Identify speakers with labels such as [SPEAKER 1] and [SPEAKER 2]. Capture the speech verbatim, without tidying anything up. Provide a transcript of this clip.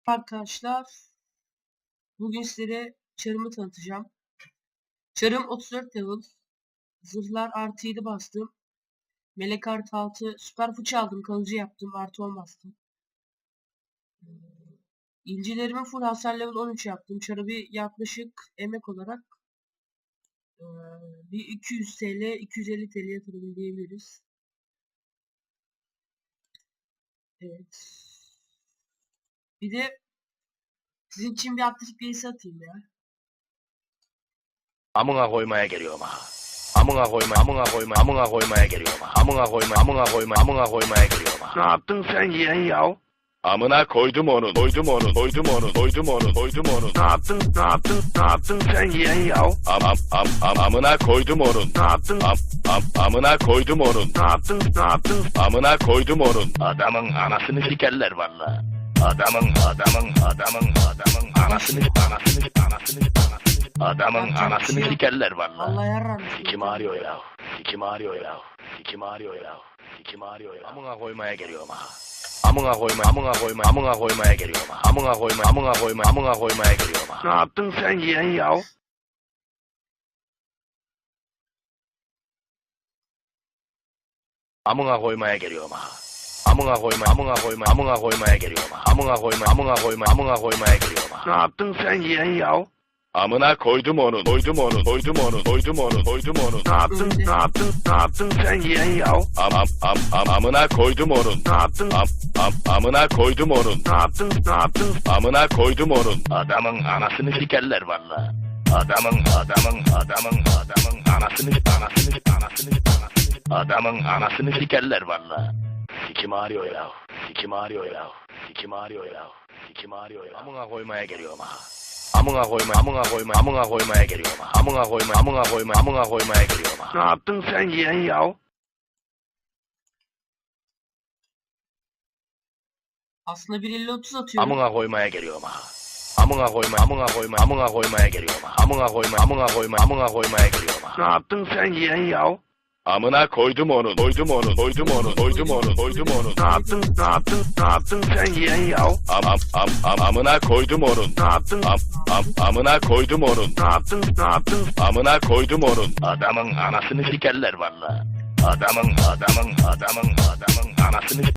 [SPEAKER 1] Arkadaşlar, bugün sizlere çarımı tanıtacağım. Çarım otuz dört level. Zırhlar artı yedi bastım. Melek artı altı. Süper fıçı aldım. Kalıcı yaptım. Artı on bastım. İncilerimi full hasar level on üç yaptım. Çarı bir yaklaşık emek olarak ee, bir iki yüz TL, iki yüz elli TL'ye yatırdım diyebiliriz. Evet. Bir de sizin için bir atletik birisi atayım ya.
[SPEAKER 2] Amına koymaya geliyorum ha. Amına koyma, amına koyma, amına koymaya geliyorum ha. Amına koyma, amına koyma, amına koymaya geliyorum ha.
[SPEAKER 3] Ne yaptın sen yeğen yav?
[SPEAKER 2] Amına koydum onu, koydum onu, koydum onu, koydum onu, koydum onu.
[SPEAKER 3] Ne yaptın, ne yaptın, ne yaptın sen yeğen yav?
[SPEAKER 2] Am am am am amına koydum onun.
[SPEAKER 3] Ne yaptın,
[SPEAKER 2] Am am amına koydum onun.
[SPEAKER 3] ne yaptın, ne yaptın?
[SPEAKER 2] Amına koydum onun. Adamın anasını sikerler valla. Adamın, adamın, adamın, adamın anasını, anasını, anasını, anasını. Adamın anasını sikerler valla.
[SPEAKER 1] Allah yarram.
[SPEAKER 2] Sikim ağrıyor ya. Sikim ağrıyor ya. Sikim ağrıyor ya. Sikim ağrıyor ya. Amına koymaya geliyorum ha. Amına koyma, amına koyma, amına koymaya geliyorum ha. Amına koyma, amına koyma, amına koymaya geliyorum ha.
[SPEAKER 3] Ne yaptın sen yeğen yav?
[SPEAKER 2] Amına koymaya geliyorum ha. Amına koyma, amına koyma, amına koymaya geliyorum ha. Amına koyma, amına koyma, amına koymaya geliyorum ha.
[SPEAKER 3] Ne yaptın sen yeğen yav?
[SPEAKER 2] Amına koydum onu, koydum onu, koydum onu, koydum onu, koydum onu.
[SPEAKER 3] Ne yaptın, ne yaptın, ne yaptın sen yeğen yav?
[SPEAKER 2] Am am am am amına koydum onun.
[SPEAKER 3] Ne yaptın,
[SPEAKER 2] Am am amına koydum onun.
[SPEAKER 3] ne yaptın, ne yaptın?
[SPEAKER 2] Amına koydum onun. Adamın anasını sikerler valla. Adamın, adamın, adamın, adamın anasını, anasını, anasını, anasını. Adamın anasını sikerler valla. Sikim ağrıyor ya. Sikim ağrıyor ya. Sikim ağrıyor ya. Sikim ağrıyor ya. Amına koymaya geliyorum ha. Amına koyma, amına koyma, amına koymaya geliyorum ha. Amına koyma, amına koyma, amına koymaya geliyorum ha.
[SPEAKER 3] Ne yaptın sen yeğen yav?
[SPEAKER 1] Aslında bir elli otuz atıyorum.
[SPEAKER 2] Amına koymaya geliyorum ha. Amına koyma, amına koyma, amına koymaya geliyorum ha. Amına koyma, amına koyma, amına koymaya geliyorum ha.
[SPEAKER 3] Ne yaptın sen yeğen yav?
[SPEAKER 2] Amına koydum onu, koydum onu, koydum onu, koydum onu, koydum onu.
[SPEAKER 3] Ne yaptın, ne yaptın, ne yaptın sen yeğen yav?
[SPEAKER 2] Am am am am amına koydum onun.
[SPEAKER 3] Ne yaptın,
[SPEAKER 2] Am am amına koydum onun.
[SPEAKER 3] ne yaptın, ne yaptın?
[SPEAKER 2] Amına koydum onun. Adamın anasını sikerler valla. Adamın, adamın, adamın, adamın anasını